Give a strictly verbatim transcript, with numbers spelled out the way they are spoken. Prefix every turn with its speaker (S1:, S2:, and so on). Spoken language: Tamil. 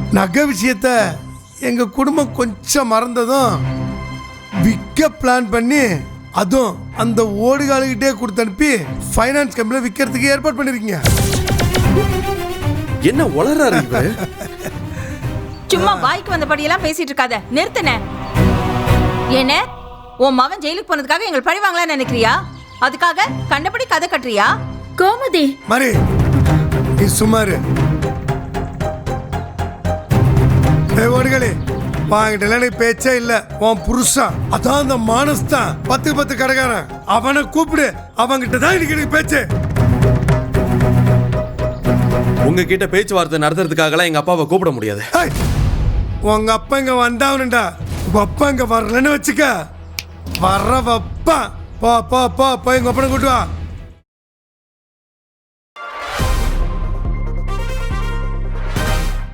S1: நகை விஷயத்த எங்க குடும்பம் கொஞ்சம் மறந்ததும் விற்க பிளான் பண்ணி அதுவும் அந்த ஓடுகாலுக்கிட்டே கொடுத்து அனுப்பி ஃபைனான்ஸ் கம்பெனியில் விற்கிறதுக்கு ஏற்பாடு பண்ணிருக்கீங்க.
S2: என்ன உளறாரு இவரு?
S3: சும்மா வாய்க்கு வந்தபடியெல்லாம் பேசிட்டு இருக்காத, நிறுத்துன. என்ன உன் மகன் ஜெயிலுக்கு போனதுக்காக எங்களை பழி வாங்கலாம்னு நினைக்கிறியா? அதுக்காக கண்டபடி கதை கட்டுறியா?
S4: கோமதி
S1: மாதிரி நீ சுமாரு ஓடுகளே வாங்கிட்டல நீ பேச்சே இல்ல. உன் புருஷன் அதான் அந்த மானஸ் தான் பத்து பத்து கடைக்காரன். அவனை கூப்பிடு, அவங்கிட்ட தான் இன்னைக்கு பேச்சு.
S2: உங்ககிட்ட பேச்சுவார்த்தை நடத்துறதுக்காகலாம் எங்க அப்பாவை கூப்பிட முடியாது.
S1: உங்க அப்பா இங்க வந்தாவனுண்டா, உங்க அப்பா இங்க வரலன்னு வச்சுக்க, வர்ற வப்பா. போ போ போ போய் எங்க அப்பனை கூட்டு வா.